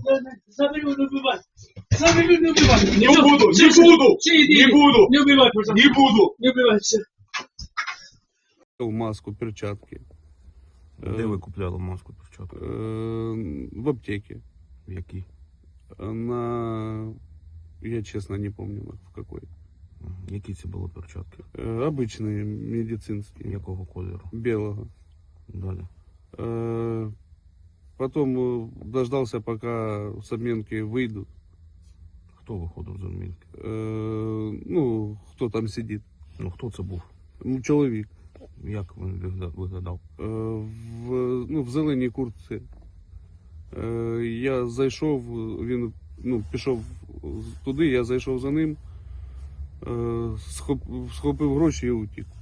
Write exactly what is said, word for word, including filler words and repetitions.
Заберу, не убивай. Заберу, не убивай. Не буду, не буду, не буду, Не убивай, пожалуйста. не буду. Не убивай, все. В маску, перчатки. Де ви купляли маску, перчатки? Э, В аптеке. В якій? На... Я честно не помню в какой. Які це були перчатки? Э, Обычные, медицинские. Якого кольору? Белого. Далі. Э, Потом э, дождался, пока с обменки выйдут. Хто виходив з адмінки? Э, Ну, кто там сидит. Ну, хто це був? Ну, чоловік. Як він вигля- виглядав? Е, В, ну, в зеленій куртці. Е, Я зайшов, він ну, пішов туди, я зайшов за ним, е, схоп, схопив гроші і утік.